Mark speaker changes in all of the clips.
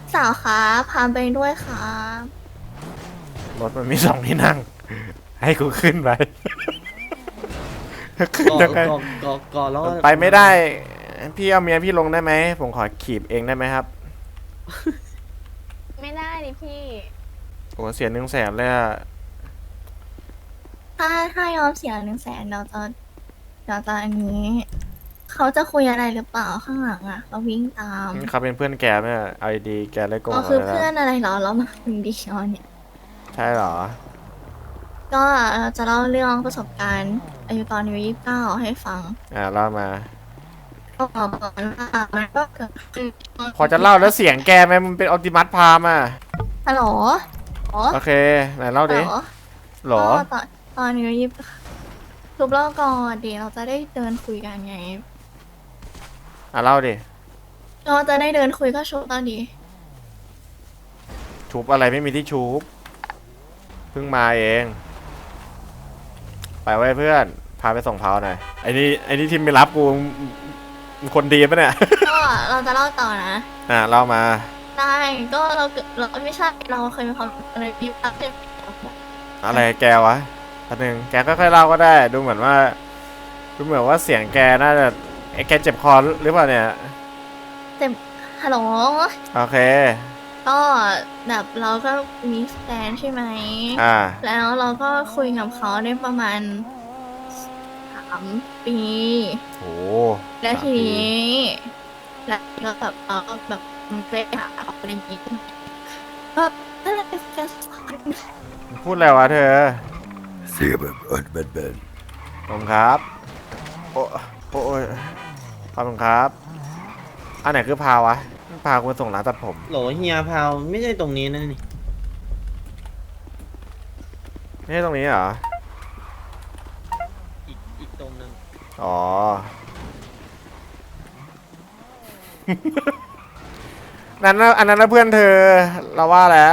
Speaker 1: สาวครับพาไปด้วยครับ
Speaker 2: รถมันมีสองที่นั่งให้กูขึ้นไปขึ้น
Speaker 3: ก่อ
Speaker 2: ยังไง
Speaker 3: ก่อก่อก่อแล้ว
Speaker 2: มันไปไม่ได้พี่เอาเมียพี่ลงได้ไหมผมขอขีบเองได้ไหมครับ
Speaker 1: ไม่ได้ดิพี่
Speaker 2: โอ้เสีย100,000เลยอะ
Speaker 1: ถ้ายอมเสีย100,000เราจะอันนี้เขาจะคุยอะไรหรือเปล่าข้างหลังอ่ะเราวิ่งตาม
Speaker 2: เขาเป็นเพื่อนแกไหมเอาดีๆแกเลยโกง
Speaker 1: ก็คือ
Speaker 2: เรา
Speaker 1: เพื่อน
Speaker 2: แล้ว
Speaker 1: อะไรเหรอเรามาคนเดียวเนี่ย
Speaker 2: ใช่เหรอ
Speaker 1: ก็เราจะเล่าเรื่องประสบการณ์อายุตอนอายุ29ให้ฟัง
Speaker 2: เล่ามา
Speaker 1: ก็บอกก่อนว่ามันก็เกิดขึ้น
Speaker 2: พอจะเล่าแล้วเสียงแกไหมมันเป็นออ t ติมัสพามอ่ะ
Speaker 1: ฮัลโหลอ๋อ
Speaker 2: โอเคไหนเล่าดิหรอ
Speaker 1: ก็ตอนอายุยี่ทุบเล่าก่อนเดี๋ยวเราจะได้เดินคุยกันไง
Speaker 2: เล่าดิ
Speaker 1: เราจะได้เดินคุยก็ชวนตอนดี
Speaker 2: ชูบอะไรไม่มีที่ชูบเพิ่งมาเองไปไว้เพื่อนพาไปส่งเผาหน่อยไอ้นี่ที่ไม่รับกูมึงคนดีปะเนี่ย
Speaker 1: ก็เราจะเล่าต่อนะ
Speaker 2: เล่ามา
Speaker 1: ได้ก็เราไม่ใช่เราเคยมีความอะไรที่รักใช่ไหม
Speaker 2: อะไรแกวะอันหนึ่งแกก็ค่อยๆเล่าก็ได้ดูเหมือนว่าเสียงแกน่าจะแกเจ็บคอหรือเปล่าเนี่ย
Speaker 1: เต็มฮัลโหล
Speaker 2: โอเค
Speaker 1: ก็แบบเราก็มีแฟนใช่ไหมแล้วเราก็คุยกับเขาได้ประมาณ3 ปี
Speaker 2: โอ้
Speaker 1: แล้วที
Speaker 2: 3 ปี
Speaker 1: นี้แล้วก็แบบเราก็แบบไปหาเขาอะไรอย่างงี้ก็นั่นแหละเป็นการสอน
Speaker 2: พูดอะไรวะเธอ
Speaker 4: เสียแบบเบน
Speaker 2: ผมครับโอ้ยขอบคุณครับอันไหนคือพาวะพาคุณส่งร้านตัดผม
Speaker 3: โหลเฮียพาวไม่ใช่ตรงนี้นะนี่
Speaker 2: ไม่ใช่ตรงนี้เหรอ
Speaker 3: อีกตรงนึง
Speaker 2: อ๋อ อันนั้นนะเพื่อนเธอเราว่าแล้ว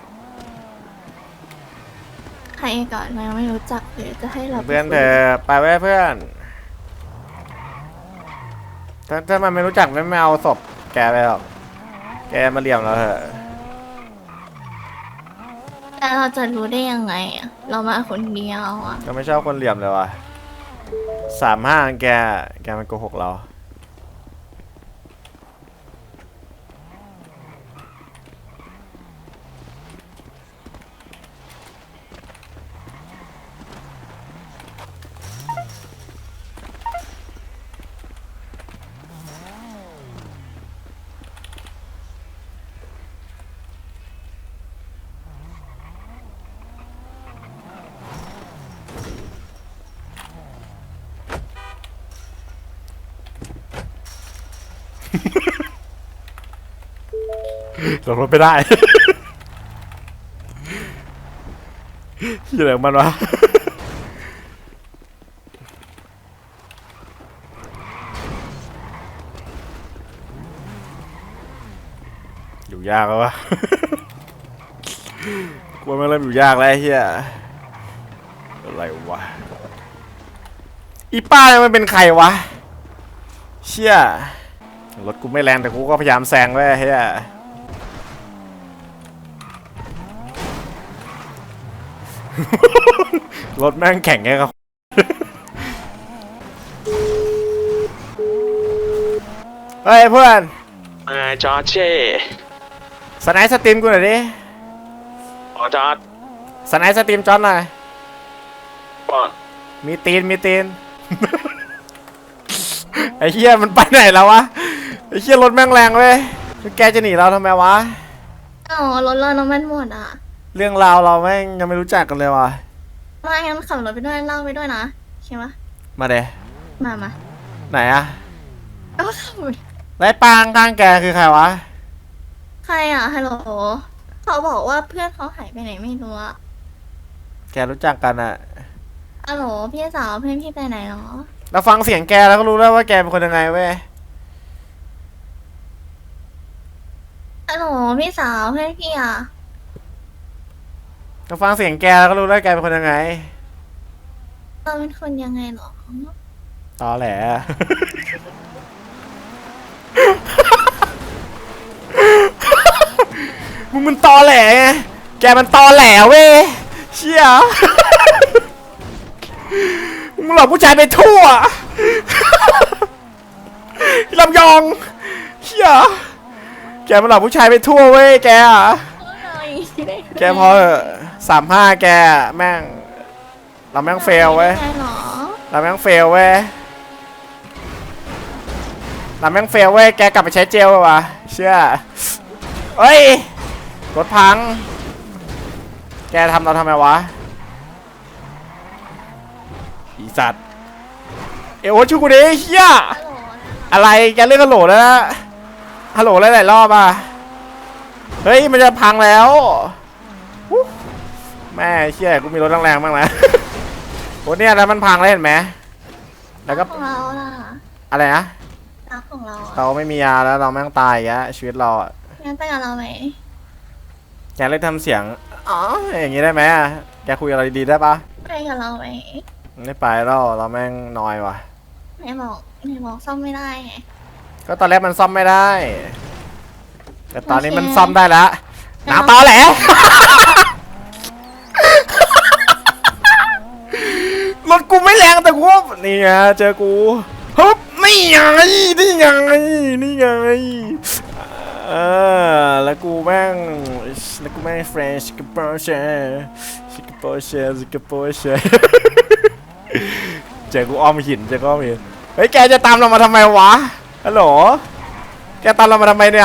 Speaker 1: ใครก่อนเรายังไม่รู้จักเลยจะให้เรา
Speaker 2: เพื่อนเธอไปไว้เพื่อนถ้ามันไม่รู้จักไม่เอาศพแกไปหรอกแกมาเลี่ยมเราเถอะ
Speaker 1: แต่เราจะรู้ได้ยังไงอะเรามาคนเดียวอะ
Speaker 2: ก็ไม่ชอบคนเหลี่ยมเลยว่ะ35แกมันโกหกเราลงรถไม่ได้ที่เหลือมันวะอยู่ยากแล้ววะกลัวมันเริ่มอยู่ยากแล้วไอ้เฮียอะไรวะอีป้ามันเป็นใครวะเชี่ยรถกูไม่แรงแต่กูก็พยายามแซงไว้เฮียรถแม่งแข่งไงครับเฮ้ยเพื่อน
Speaker 5: จอร์เช่
Speaker 2: สไนส์สตรีมกูหน่อยดิ
Speaker 5: อ๋อจอร์ด
Speaker 2: สไนส์สตรีมจอนหน่อย
Speaker 5: ก่อน
Speaker 2: มีตีน ไอ้เหี้ยมันไปไหนแล้ววะไอ้เหี้ยรถแม่งแรงเว้ยแกจะหนีเราทำไมวะ
Speaker 1: อ๋อรถเราน้ำมันหมดอ่ะ
Speaker 2: เรื่องราวเราแม่งยังไม่รู้จักกันเลยวะ
Speaker 1: มางั้นขับรถไปด้วยเล่าไปด้วยนะใช่ไหม
Speaker 2: มาเด
Speaker 1: มา
Speaker 2: ไหนอะ
Speaker 1: ก็ขับไป
Speaker 2: ไรปางข้างแกคือใครวะ
Speaker 1: ใครอ่ะฮัลโหลเขาบอกว่าเพื่อนเขาหายไปไหนไม่รู้อะ
Speaker 2: แกรู้จักกันอะ
Speaker 1: ฮัลโหลพี่สาวเพื่อนพี่ไปไหนหรอ
Speaker 2: เราฟังเสียงแกแล้วก็รู้แล้วว่าแกเป็นคนยังไงเว้ย
Speaker 1: ฮัลโหลพี่สาวเพื่อนพี่อ่ะ
Speaker 2: เราฟังเสียงแกแล้วก็รู้แล้วแกเป็นคนยังไง
Speaker 1: เราเป็นคนยังไงหรอ
Speaker 2: ตอแหลมึงมันตอแหลไงแกมันตอแหลเว้ยเชี่ยมึงหลอกผู้ชายไปทั่วลำยองเชี่ยแกมันหลอกผู้ชายไปทั่วเว้ยแกอะแกพอ35แกแม่งเราแม่งเฟลเว้ย
Speaker 1: ใช่หรอ
Speaker 2: เราแม่งเฟลเว้ยเราแม่งเฟลเว้ยแกกลับไปใช้เจลวะเชื่อเฮ้ยรถพังแกทำเราทำไมวะอีสัตว์เอวช่วยกูดิเฮีย
Speaker 1: ฮัลโหล
Speaker 2: อะไรแกเรียกฮัลโหลแล้วนะฮัลโหลหลายๆรอบอ่ะเฮ้ยมันจะพังแล้วอู้แม่เชี่ยกูมีรถแรงๆบ้างนะ โอ้เนี่ยแล้วมันพังแล้วเห็นไหมแล้วก็
Speaker 1: ของเราล่ะ
Speaker 2: อะไรนะ
Speaker 1: รักของเรา
Speaker 2: เราไม่มียาแล้วเราแม่งตายอ่ะชีวิตเราอ่ะ
Speaker 1: งั้นไปกับเราไหม
Speaker 2: แกเลิกทำเสียงอ๋ออย่างงี้ได้ไหมอะแกคุยอะไรดีๆได้ปะ
Speaker 1: ไปกับเราไหม
Speaker 2: ไม่ไปแล้วเราแม่งนอยว่ะ
Speaker 1: ไหนบอกซ่อมไม่ได้ไง
Speaker 2: ก็ตอนแรกมันซ่อมไม่ได้ แต่ตอนนี้
Speaker 1: โอเค
Speaker 2: มันซ่อมได้แล้วน้ำตอแหล รถกูไม่แรงแต่กูว่านี่ไงเจอกูฮึบนี่ไงนี่ไงนี่ไงแล้วกูแม่งเฟรนช์กับโปรเช่เจอกูอ้อมหินเฮ้ยแกจะตามเรามาทำไมวะฮัลโหลแกตามเรามาทำไมเนี่ย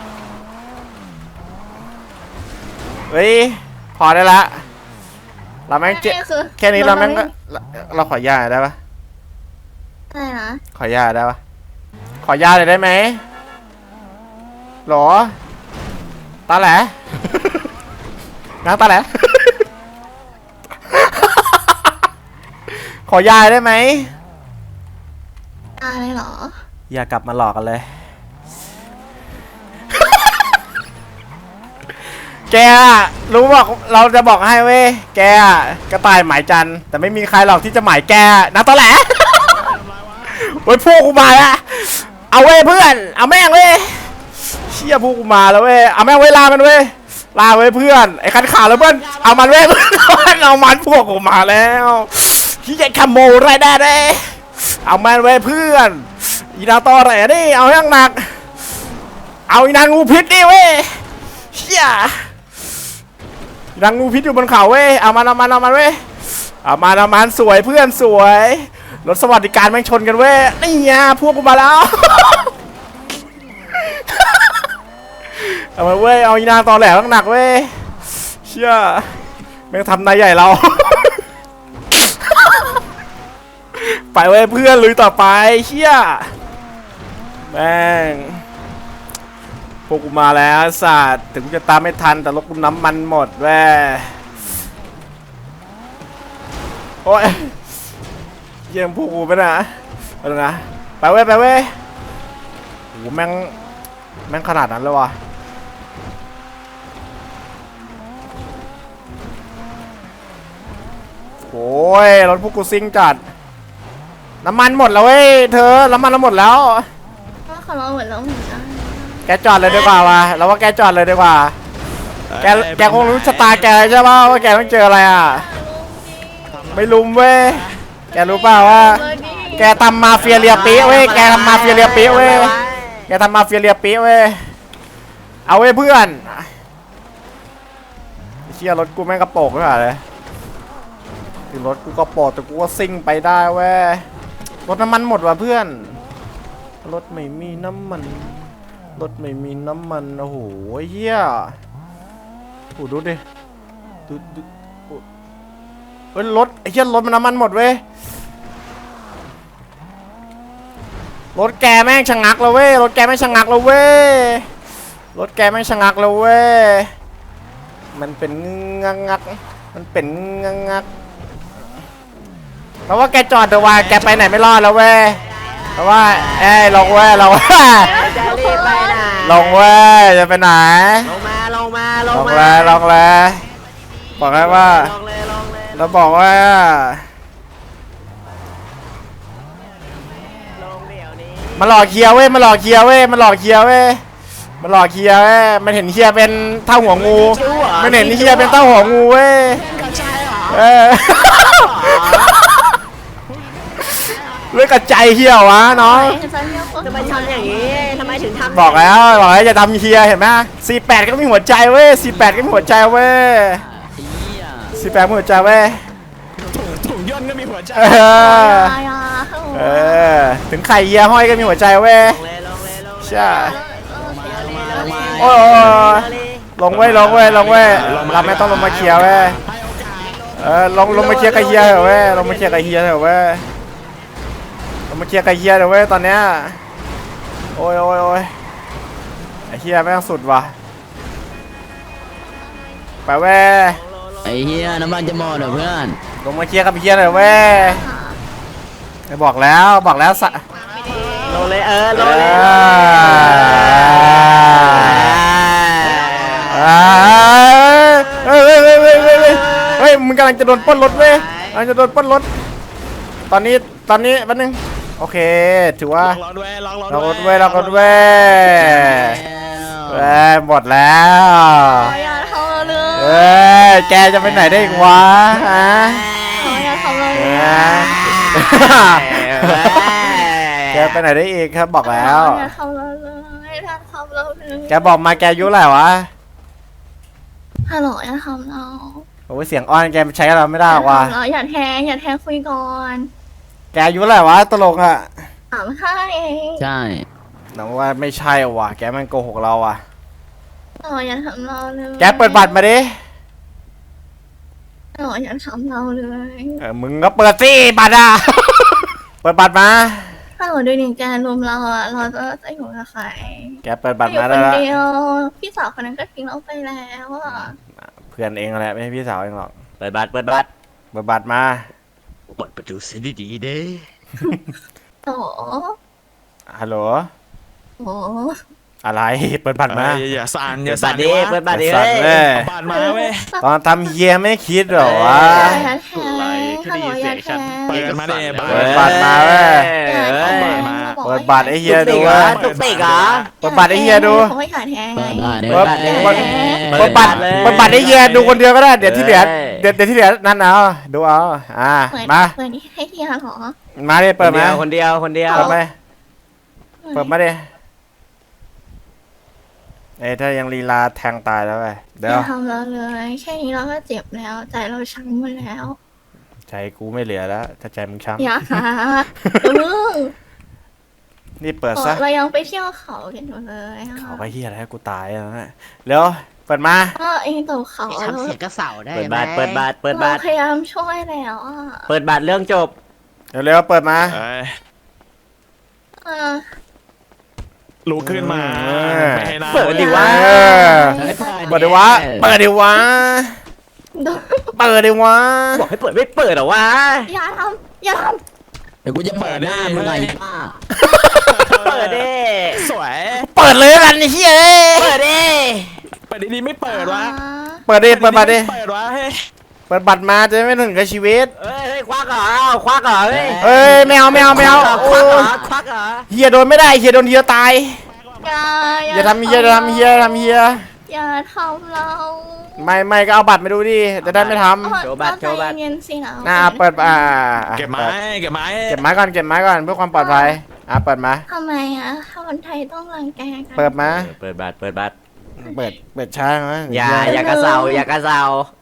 Speaker 2: เฮ้ยพอได้ละเราแม่งเจ็บ
Speaker 1: คือ
Speaker 2: แค่นี้เราแม่งก็เราขอยาได้ปะ
Speaker 1: อะไรนะ
Speaker 2: ขอยาได้ปะขอยาเลยได้ไหมหรอตาแหล นางตาแหล ขอยาได้ไหม
Speaker 1: อะไรหรอ
Speaker 2: อย่ากลับมาหลอกกันเลย แกอะรู้บอกเราจะบอกให้เว้ยแกอะกระต่ายหมายจันทร์แต่ไม่มีใครหรอกที่จะหมายแกนะตอแหล เว้ยพวกกูมาอะเอาเว้ยเพื่อนเอาแม่งเว้ยเชี่ยพวกกูมาแล้วเว้ยเอาแม่งเว้ยลามันเว้ยลาเว้ยเพื่อนไอ้คันขาแล้วเพื่อนเอามันเว้ยเพื่อนเอามันพวกกูมาแล้วที่จะขโมยไรได้เด้เอามันเว้ยเพื่อนอีนาตอแหลดิเอาอย่างหนักเอาอีนางงูพิษดิเว้ยเชี่ยอีนางงูพิษอยู่บนเขาเว้ยเอามันเว้ยเอามันสวยเพื่อนสวยรถสวัสดิการแม่งชนกันเว้ยนี่ไงพวกกูมาแล้ว เอามาเว้ยเอาอีนางตอแหลหนักเว้ยเชี่ยแม่งทำนายใหญ่เรา ไปเว้ยเพื่อนลุยต่อไปเชี่ยแม่งพวกกูมาแล้วสัตว์ถึงกูจะตามไม่ทันแต่รถกูน้ำมันหมดแว่โอ้ยเยี่ยมพวกกูไปนะไปเลยนะไปเว้ยโอ้โหแม่งขนาดนั้นเลยวะโอ้ยรถพวกกูซิ่งจัดน้ำมันหมดแล้วเว้ยเธอน้ำมันเราหมดแล้ว
Speaker 1: ว่าของเราเหมือนเราเหมือนกัน
Speaker 2: แกจอดเลยดีกว่าวะเราว่าแกจอดเลยดีกว่าแกคงรู้ชะตาแกใช่ป่ะว่าแกต้องเจออะไรอ่ะไม่ลุมเว้ยแกรู้เปล่าว่าแกทำมาเฟียเรียปีเว้ยแกทำมาเฟียเรียปีเว้ยแกทำมาเฟียเรียปีเว้ยเอาเว้ยเพื่อนเชี่ยรถกูแม่งกระโปงด้วยเลยถึงรถกูกระโปงแต่กูก็ซิ่งไปได้เว้ยรถน้ำมันหมดว่ะเพื่อนรถไม่มีน้ำมันโอ้โหเฮียโอ้ดูดิดูเฮ้ยรถไอ้เหี้ยรถมันน้ำมันหมดเว้ยรถแกแม่งชะงักแล้วเว้ยรถแกแม่งชะงักแล้วเว้ยมันเป็นงักเพราะว่าแกจอดเดี๋ยวว่าแกไปไหนไม่รอดแล้วเว้ยเพราะว่าลงเว้ยเรา
Speaker 6: จะรีบไปไหน
Speaker 2: ลงเว้ยจะไปไหน
Speaker 6: ลงมาลงมา
Speaker 2: ลงเลยบอกให้ว่า
Speaker 6: ลงเลย
Speaker 2: เราบอกว่า
Speaker 6: ลงเดี๋ยวนี้
Speaker 2: มาหลอกเคลียร์เว้ยมันหลอกเฮียเว้ยมันเห็นเฮียเป็นเท่าหัวงูมันเห็นเฮียเป็นเท่าหัวงูเว้ยเออเรื่องกระจายเฮียวะน้อง
Speaker 6: ทำไมทำอย่างนี้ทำไมถึงทำ
Speaker 2: บอกแล้วจะทำเฮียเห็นไหม48ก็มีหัวใจเว้ย48ก็มีหัวใจเว้ย48มีหัวใจเว้ยถุงย่นก็มีหัวใจถึงไข่เฮียห้อยก็มีหัวใจเว้ยใช่โอ้ลงเว้ยเราไม่ต้องลงมาเคลียร์เว้ยลงมาเคลียร์กับเฮียเถอะเว้ยลงมาเคลียร์กับเฮียเถอะเว้ยลงมาเคลียร์กับเฮียเถอะเว้ยตอนเนี้ยโอ้ยไอ้เฮียแม่งสุดว่ะไปเว้ย
Speaker 7: ไอ้เหี้ยน้ำมันจะหมดเหรอเพื่อน
Speaker 2: ลงมาเคลียร์กับเฮียเถอะเว้ยบอกแล้วสะ
Speaker 6: ลงเลยลงเลย
Speaker 2: เฮ้ยมึงกำลังจะโดนปล้นรถเว้ยกำลังจะโดนปล้นรถตอนนี้แป๊บนึงโอเคถือว่าล็อกรถเว้ยหมดแล้ว
Speaker 1: อย่าทำเราเลย
Speaker 2: แกจะไปไหนได้อีกวะฮะ
Speaker 1: อย่าทำเราเลย
Speaker 2: แกไปไหนได้อีกครับบอกแล้ว
Speaker 1: อย่าทำเราเลยอย่าทำเราเลย
Speaker 2: แกบอกมาแกอายุเท่าไหร่วะ
Speaker 1: ฮัลโหลอย่าทำเรา
Speaker 2: โอ้ยเสียงอ้อนแกใช้กับเราไม่ได้หรอกว่ะ
Speaker 1: อย่าแทงคุยก่อน
Speaker 2: แกอายุเท่าไหร่วะตลกอ่ะ
Speaker 1: 35เอง
Speaker 7: ใช่
Speaker 2: น้องว่าไม่ใช่ว่ะแกมันโกหกเราอ่ะ
Speaker 1: อย่าทำเราเลย
Speaker 2: แกเปิดบัตรมาดิ
Speaker 1: อย่าทำเราเลย
Speaker 2: มึงก็เปิดสิบัตรอ่ะ เปิดบัตรมา
Speaker 1: ถ้าเราดูหนึ่งแกรวมเราเราจะอยู่กับใคร
Speaker 2: แกเปิดบัตร
Speaker 1: อยู่
Speaker 2: มา
Speaker 1: ค
Speaker 2: ได้
Speaker 1: น
Speaker 2: แล้ว
Speaker 1: เดียวพี่สาวคนนั้นก็ทิ้งเราไปแล้วอ่ะ
Speaker 2: เพื่อนเองแหละไม่ใช่พี่สาวเองหรอก
Speaker 6: เปิดบัตร
Speaker 2: เปิดบัตรมา
Speaker 7: เปิดประตูเสียดีๆเด้
Speaker 1: โอ้
Speaker 2: ฮัลโหล
Speaker 1: โห
Speaker 2: อะไรเปิดบัตรมา
Speaker 5: อย่าสั่นอ
Speaker 6: เปิ
Speaker 5: ย่า
Speaker 6: ดบั
Speaker 5: สั่
Speaker 6: ต
Speaker 5: น
Speaker 6: รดิเปิดบัตรดิ
Speaker 2: สั่นเลย
Speaker 5: บ้านมาเว้ย
Speaker 2: ตอนทำเฮียไม่คิดเหรอวะ
Speaker 1: อย่าแทงฮัลโหลอย่าแทง
Speaker 5: เปิดกันมาดิ
Speaker 2: เปิดบัตรมาเว้ย เปิดบัตรไอ้เฮียดูเว้ย
Speaker 6: ตุกติกเหรอ
Speaker 2: เปิดบัตรไอ้เฮียดู
Speaker 1: เขาไม่ขาดแทงไง
Speaker 7: เปิดบัตร
Speaker 2: เปิดบัตรไอ้เฮียดูคนเดียวก็ได้เดี๋ยวที่เหลือเดี๋ยวที่เหลือนั่นเอาดูเอามา
Speaker 1: เปิดให้เฮียเหรอ
Speaker 2: มาดิเปิดมา
Speaker 6: คนเดียว
Speaker 2: เปิดไปเปิดมาดิถ้ายังลีลาแทงตายแล้วไป
Speaker 1: อ
Speaker 2: เดี๋ยว
Speaker 1: ย่าทำเราเลยแค่นี้เราก็เจ็บแล้วใจเราช้ำหมดแล้ว
Speaker 2: ใจกูไม่เหลือแล้วถ้าใจมึงช้
Speaker 1: อย่าค่ะมึง
Speaker 2: ำนี่เปิดซะ
Speaker 1: เรายังไปเที่ยวเขากันอยู่เลย
Speaker 2: เขาก็เฮียอะไรให้กูตายแล้วนะเร็วเปิดมา
Speaker 1: ก็เองตกเขา
Speaker 7: ทำเสียงกระเสาได้
Speaker 6: เปิด
Speaker 7: ไหม
Speaker 6: บัตร เปิดบัตร เปิด
Speaker 1: เรา
Speaker 6: บัตร
Speaker 1: พยายามช่วยแล้วอ่ะ
Speaker 6: เปิดบัตรเรื่องจบ
Speaker 2: เร็วๆเปิดมา
Speaker 5: เอ้ย
Speaker 1: เออ
Speaker 5: ลุกขึ้นมา ไม่ให้นั่ง
Speaker 6: เปิดดิวะ
Speaker 2: เออเปิดดิวะเปิดดิวะ
Speaker 1: โดน
Speaker 2: เปิดดิวะ
Speaker 6: บอกให้เปิดไม่เปิดเหรอวะ
Speaker 1: อย่าท
Speaker 7: เดี๋ยวกูจะเปิดหน้ามึงไงป้า
Speaker 6: เปิดดิ
Speaker 5: สวย
Speaker 2: เปิดเลยกันไอ้เฮีย
Speaker 6: เปิดดิ
Speaker 5: เปิดดีๆไม่เปิดวะ
Speaker 2: เปิดดิเปิดบัตรดิ
Speaker 5: เปิดวะเฮ้ย
Speaker 2: เปิดบัตรมาจะไม่ถึงกับชีวิต
Speaker 6: เฮ้ยควักเหรอควักเหรอเฮ้ย
Speaker 2: เอ้ยไม่เอา
Speaker 6: ควักเหรอ
Speaker 2: โอ้
Speaker 6: ควักเหรอ
Speaker 2: เฮียโดนไม่ได้เฮียโดนเฮียตาย
Speaker 1: ำ
Speaker 2: อย่าทำเฮียอย่าทำเฮียอย่าทำเฮีย
Speaker 1: อย่าทำเรา
Speaker 2: ไม่ก็เอาบัตรมาดูดิจะได้ไม่ท
Speaker 1: ใจเย็นสินะ
Speaker 2: ำเปิด
Speaker 5: เก็บไม้เก็บไม้
Speaker 2: เก็บไม้ก่อนเพื่อความปลอดภัยเปิดมา
Speaker 1: ทำไมอ่ะถ้าคนไทยต้องรังแกกัน
Speaker 2: เปิดมา
Speaker 6: เปิดบัตร เปิดบัตร
Speaker 2: เปิดช้าไหม
Speaker 6: อย่ากระเซาอย่ากระเซา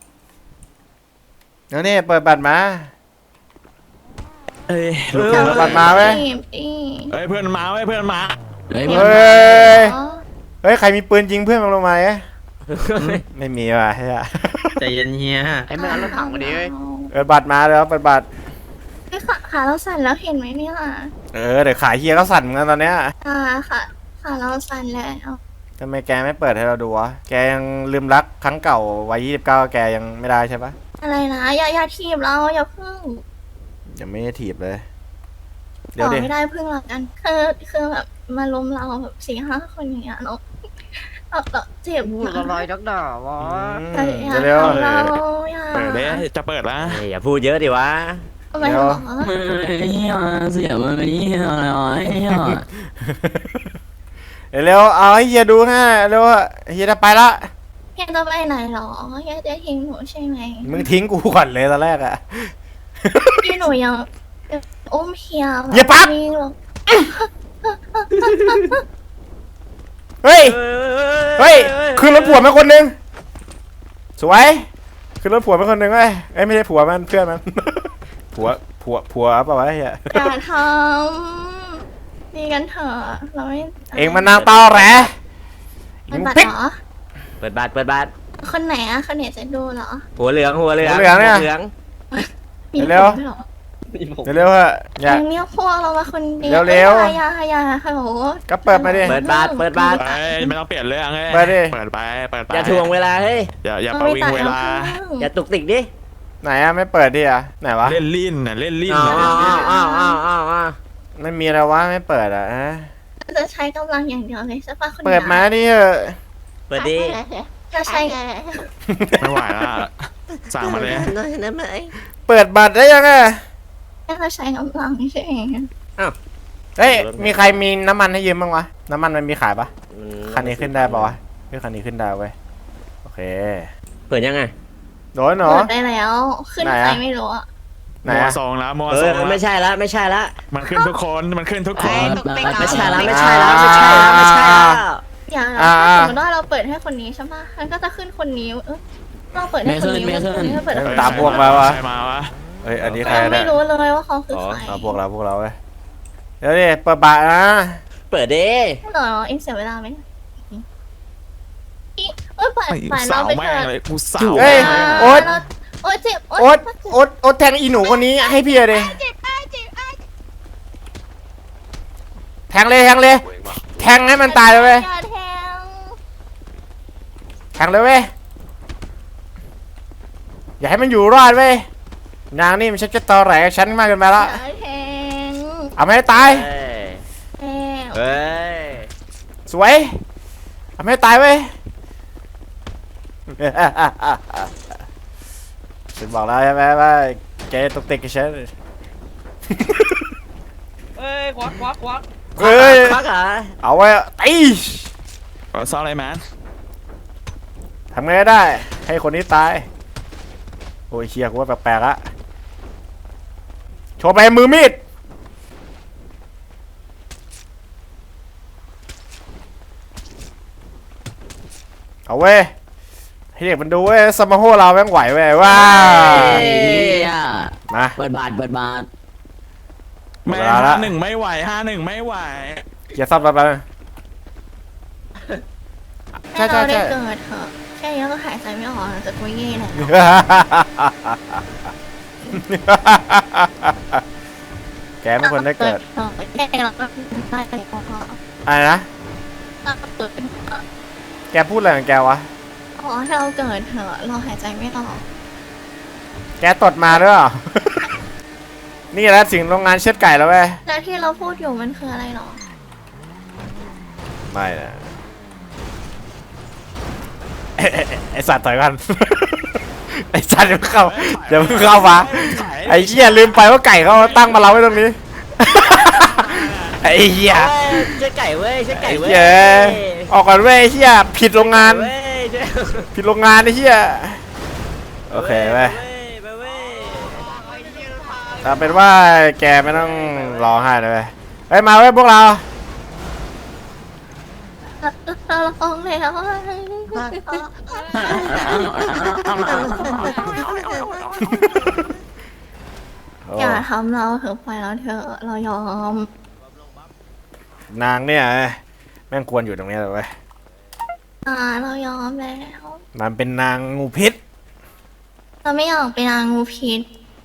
Speaker 2: แล้วนี่เปิดบัตรมา
Speaker 5: เอ้ย
Speaker 2: เปิดบัตรมาเว้ย
Speaker 5: เฮ้ยเพื่อนมาเว้ยเพื่อนมา
Speaker 7: เฮ้ย
Speaker 2: เฮ้ยใครมีปืนยิงเพื่อนมันลงมาไม่มีว่ะเฮีย
Speaker 3: ใจเย็นเฮีย
Speaker 7: ไอ้มันเอารถถังมาดิเว้ย
Speaker 2: เปิดบัตรมาแล้วเปิดบัตร
Speaker 1: ขาเราสั่นแล้วเห็นไหมเนี่ย
Speaker 2: เดี๋ยวขายเฮียก็สั่นเหมือนกันตอนเนี้ย
Speaker 1: ขาเราสั่นแล้ว
Speaker 2: ทำไมแกไม่เปิดให้เราดูวะแกยังลืมรักครั้งเก่าวัย29แกยังไม่ได้ใช่ปะ
Speaker 1: อะไรนะอย่าทีบเราอย่าพึ่ง
Speaker 2: ยังไม่ได้ถีบเลย เดี๋
Speaker 1: ต่
Speaker 2: ยว
Speaker 1: อ
Speaker 2: ดิ
Speaker 1: ไม่ได้พึ่งหรอกกันคือแบบมาล้มเราแบบ4-5 คนอย่างเงี้ยเราเจ็บ
Speaker 6: พูดลอยๆดอกๆวะ
Speaker 1: อย่า
Speaker 2: เร็ว
Speaker 1: ทำเราอย่า
Speaker 5: เปิดเด้จะเปิดละ
Speaker 6: อย่าพูดเยอะดิวะ
Speaker 1: ทำไมหรอ
Speaker 7: เสียมันนี่อะไร
Speaker 2: เร็วๆเอาให้เฮียดูฮะเร็วอะเฮียจะไปละ
Speaker 1: เฮียจะไปไหนหรอเฮียจะทิ้งหนูใช่ไหม
Speaker 2: มึงทิ้งกูก่อนเลยตอนแรกอะ
Speaker 1: พี่หนูยังอุ้มเฮีย
Speaker 2: เฮียปั๊บ
Speaker 1: วิ่งหรอก
Speaker 2: เฮ้ยเฮ้ยขึ้นรถผัวมาคนหนึงสวยขึ้นรถผัวมาคนหนึงเว้ยเอ้ยไม่ใช่ผัวมันเพื่อนมัน ผัวเปล่าวะเฮีย
Speaker 1: อย่าทำดีกันเถอะเราไม่
Speaker 2: เองมันนางตอแหล
Speaker 1: เป็นบัตร
Speaker 2: ปิ๊ก
Speaker 1: เหรอ
Speaker 6: เปิดบัตรเปิดบัตร
Speaker 1: คนไหนอะคนไหนจะดูเหรอ
Speaker 6: หัวเหลืองหัวเหลือง
Speaker 2: หัวเหลืองเนี่ย
Speaker 6: หัวเหลือง
Speaker 1: มี
Speaker 2: เร็ว
Speaker 1: ผมด้วยเหรอ
Speaker 3: นี่ผม
Speaker 2: เร็วๆฮะอย่า
Speaker 1: ยังเรียกพวกเรามาคนเดียว
Speaker 2: เร็วๆ
Speaker 1: อย่าฮัลโหล
Speaker 2: ก็เปิดมาดิ
Speaker 6: เปิดบัตรเปิดบัตร
Speaker 5: เอ้ยไม่ต้องเปลี่ยนเรื่องเอ้ย
Speaker 2: ไปดิ
Speaker 5: เปิดไปเปิดไป
Speaker 6: อย่าทวงเวลาเฮ้ย
Speaker 5: อย่า
Speaker 1: เอ
Speaker 5: ประ
Speaker 1: ไป
Speaker 5: วิง
Speaker 1: ตัด
Speaker 5: เวลา
Speaker 6: อย่าตุกติกดิ
Speaker 2: ไหนอะไม่เปิดดิอะไหนวะ
Speaker 5: เล่นลิ้นน่ะเล่นลิ้น
Speaker 6: อ้าว
Speaker 5: น่ะ
Speaker 6: อ้าวอ้าวอ้าวอ้าว
Speaker 2: ไม่มีอะไรวะไม่เปิดอะฮะ
Speaker 1: จะใช้กำลังอย่างเดียวเลยใช่ปะคน
Speaker 2: เปิดมาดิเถอะ
Speaker 6: เปิดดิ
Speaker 1: จะใช้
Speaker 5: ไม่ไหวละสั่งมาเลย
Speaker 2: เปิดบัตรได้ยังอะ
Speaker 1: จะใช้กำลังใช่ไหม
Speaker 2: เฮ้ยมีใครมีน้ำมันให้ยืมบ้างวะน้ำมันมันมีขายปะคันนี้ขึ้นได้ปะวะเฮ้ยคันนี้ขึ้นได้เว้ยโอเค
Speaker 6: เปิดยังไง
Speaker 2: โดนเหรอ
Speaker 1: เปิดได้แล้ว ขึ้น
Speaker 2: ไหน
Speaker 1: ไป
Speaker 2: อะ
Speaker 1: ไม่รู้อะ
Speaker 2: ไหน
Speaker 5: มัว
Speaker 2: อะ
Speaker 5: ซองแล้วมัว
Speaker 6: เอ
Speaker 5: ซ
Speaker 6: อ
Speaker 5: อง
Speaker 6: ไม่ใช่ละไม่ใช่ละ
Speaker 5: มันขึ้นทุกคนมันขึ้นทุกคน
Speaker 6: ไม่ใช่ละไม่ใช่ละไม่ใช่ละไม่ใช่ละ
Speaker 1: อย่างถ้าสมมติว่าเราเปิดให้คนนี้ใช่ปะมันก็จะขึ้นคนนี้เราเปิดให้คนนี้คนนี้เปิดให้คน
Speaker 2: ตาม
Speaker 1: นี้
Speaker 2: พวกมาวะ
Speaker 5: ใครมาวะ
Speaker 2: เฮ้ยอันนี้ใคร
Speaker 1: เรา
Speaker 2: เนี่
Speaker 1: ไม่
Speaker 2: ย
Speaker 1: รู้เลยว่าเขาคือ
Speaker 6: อ๋อ
Speaker 1: ใคร
Speaker 2: เอาพวกเราเว้ยเดี๋ยวดิเปิดบัตรนะ
Speaker 6: เปิดดิ
Speaker 1: เหรอเอ็งเสียเวลาไหมเอ้ยป่าน
Speaker 5: ไอ้
Speaker 1: เรา
Speaker 5: สาว
Speaker 1: ไป
Speaker 5: แม่
Speaker 1: เถ
Speaker 5: ง
Speaker 1: อะ
Speaker 5: เลยกูสาว
Speaker 2: เฮ้ย
Speaker 5: แม่ง
Speaker 2: โอ๊ต
Speaker 1: โอ๊ยเจ็บ
Speaker 2: โอ๊ตแทงอีหนูคนนี้ให้พี่เลย
Speaker 1: เจ็บเจ็บ
Speaker 2: แทงเลยแทงให้มันตายเลยเว้ย
Speaker 1: อย่าแทง
Speaker 2: แทงเลยเว้ยอย่าให้มันอยู่รอดเว้ยนางนี่มันชักจะตอแหลกับฉันมากเกินไปละ
Speaker 1: อย่าแทง
Speaker 2: เอาไม่ให้ตาย
Speaker 6: เฮ้ย
Speaker 1: แทง
Speaker 6: เฮ้ย
Speaker 2: สวยเอาไม่ให้ตายเว้ย ฉันบอกแล้วใช่ไหมว่าแกตกติกกับฉัน
Speaker 3: เอ้ยควัก
Speaker 2: เฮ้ย
Speaker 6: ควักเหรอ
Speaker 2: เอาไว้ตี
Speaker 5: ซออะไรแมน
Speaker 2: ทำไงก็ได้ ให้คนนี้ตาย โอ้ยเชียกูว่าแปลกๆละโชว์ไปมือมีด เอาเว้ย ให้เด็กมันดูเว้ยสมาโฮเราแม่งไหวเว้ยว้า มา
Speaker 7: เปิดบาทเปิดบาท
Speaker 5: แม่
Speaker 2: เวลาละ
Speaker 5: 51ไม่ไหว51ไม่ไหว
Speaker 2: เกียร์ซับไปใช่
Speaker 1: ให้
Speaker 2: ใช่
Speaker 1: เราได้
Speaker 2: ใช่
Speaker 1: เกิดเถอะแค่นี้ก็หายใจไม่ออกจะกุยเย่แล้ว
Speaker 2: แกไม่ควรได้เกิด
Speaker 1: แค่เราก็ได้ไปพอ
Speaker 2: อะไรนะ
Speaker 1: เราเกิด
Speaker 2: แกพูดอะไรของแกวะ
Speaker 1: อ๋อให้เราเกิดเถอะเราหายใจไม่ออก
Speaker 2: แกตดมาด้วยเหรอ นี่แหละสิ่งโรงงานเชือดไก่แล้วเว้ย
Speaker 1: แล้วที่เราพูดอยู่มันคืออะไรหรอ
Speaker 2: ไม่นะ ไอสัตว์ถอยกัน ไอสัตว์อย่าเพิ่งเข้ามาไอเหี้ยลืมไปว่าไก่เขาตั้งมาเราไว้ตรงนี้ ไอเหี้ย
Speaker 6: เฮ้ยเชื่อไก่เว้ยเชื่อไก่
Speaker 2: ไอ้
Speaker 6: เว้ย
Speaker 2: เหี้ยออกก่อนเว้ยไอ้เหี้ยผิดโรงงาน
Speaker 6: เว้ยเชื่อ
Speaker 2: ผิดโรงงานไอ้เหี้ยโอเคเว้ย
Speaker 6: ไปเว้ย
Speaker 2: เอาเป็นว่าแกไม่ต้องร้องไห้เลยเว้ยเฮ้ยมาเว้ยพวกเรา
Speaker 1: เราลองแล้ว
Speaker 2: โอ้
Speaker 1: อย่าทำเราเถอะปล่อยเราเถอะเรายอม
Speaker 2: นางเนี่ยแม่งควรอยู่ตรงนี้เลยเว้ย
Speaker 1: เรายอมแล้ว
Speaker 2: มันเป็นนางงูพิษ
Speaker 1: เราไม่อยากเป็นนางงูพิษ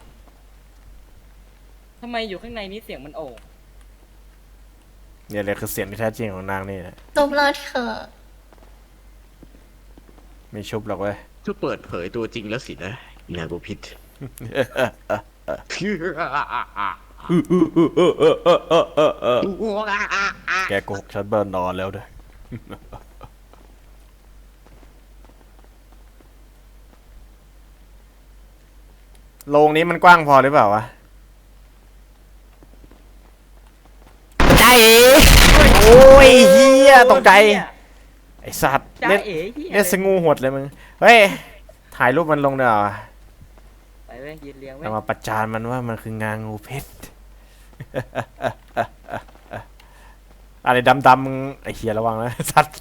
Speaker 8: ทำไมอยู่ข้างในนี้เสียงมันโอ่ง
Speaker 2: เนี่ยเลยคือเสียงที่แท้จริงของนางนี่นะ
Speaker 1: จบเราเถอะ
Speaker 2: ไม่ชุบหรอกเว้ย
Speaker 7: จะเปิดเผยตัวจริงแล้วสินะนางกูพิษ
Speaker 2: แกโกหกฉันเบิร์นนอนแล้วด้วย โรงนี้มันกว้างพอหรือเปล่าวะ
Speaker 6: ใจ
Speaker 2: โอ้โอ้ยเฮียตกใจไอสัตว์
Speaker 8: จ้า
Speaker 2: เล่น
Speaker 8: เอ๋เหี้ย
Speaker 2: เล่นสงูหดเลยมึงเฮ้ยถ่ายรูปมันลงเดี๋ยวา
Speaker 8: ไปเว้ยยืนเลี้ยงเว้ย
Speaker 2: เรามาประจานมันว่ามันคืองางูเพชร อะไรดำๆมึงไอเฮียระวังนะสัตว์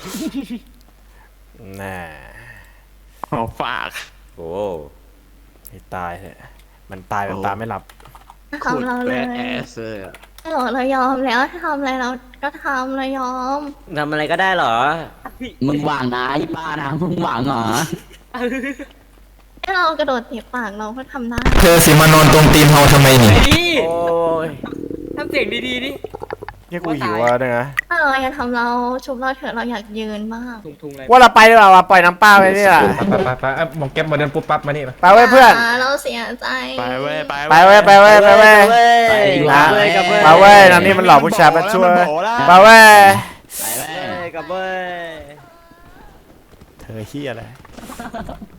Speaker 2: น่า
Speaker 5: เอาฝาก
Speaker 6: โอ้
Speaker 2: ให้ตายเถอะมันตายแบบตาไม่หลับ
Speaker 7: โคต
Speaker 1: ทำ
Speaker 7: ร
Speaker 1: เรา
Speaker 7: แบ
Speaker 1: เลย
Speaker 7: ดแอสเลยอะ
Speaker 1: เรายอมแล้วทำอะไรเราก็ทำเรายอม
Speaker 6: ทำอะไรก็ได้เหรอ
Speaker 7: มึงหวังนะไอ้ป้านะมึงหวังเหรอ
Speaker 1: ให้เรากระโดดเตะปากเราก็ทำได้
Speaker 4: เธอสิมานอนตรงตีนเฮาทำไมนี่
Speaker 8: ไอ้นี่
Speaker 6: โอ้ย
Speaker 8: ทำเสียงดีๆดิ
Speaker 2: เนี่ยกูหิวอ่ะเนี่ยนะ
Speaker 1: ถ้าเราอยากทำเราชุบเราเถอะเราอยากยืนบ้าง
Speaker 8: ทุงๆเลย
Speaker 2: ว่าเราไปดีกว่าปล่อยน้ำเปล่าไปเนี่ย
Speaker 9: ไปมองแก๊ปมาเดินปุ๊บปั๊บมานี่มา
Speaker 2: ไปเว้ยเพื่อน
Speaker 1: เราเสียใจ
Speaker 5: ไปเว้ยไป
Speaker 2: ไปเว้ยไปเว้ยไปเว้ย
Speaker 6: ไปเว้ยกับเว้ย
Speaker 2: ไปเว้ยน้ำนี่มันหลอกผู้ชายมาช่วย
Speaker 5: มันโผล่แล้ว
Speaker 2: ไปเว้ย
Speaker 6: ไปเว้ยกับเว้ย
Speaker 2: เธอเฮียอะไร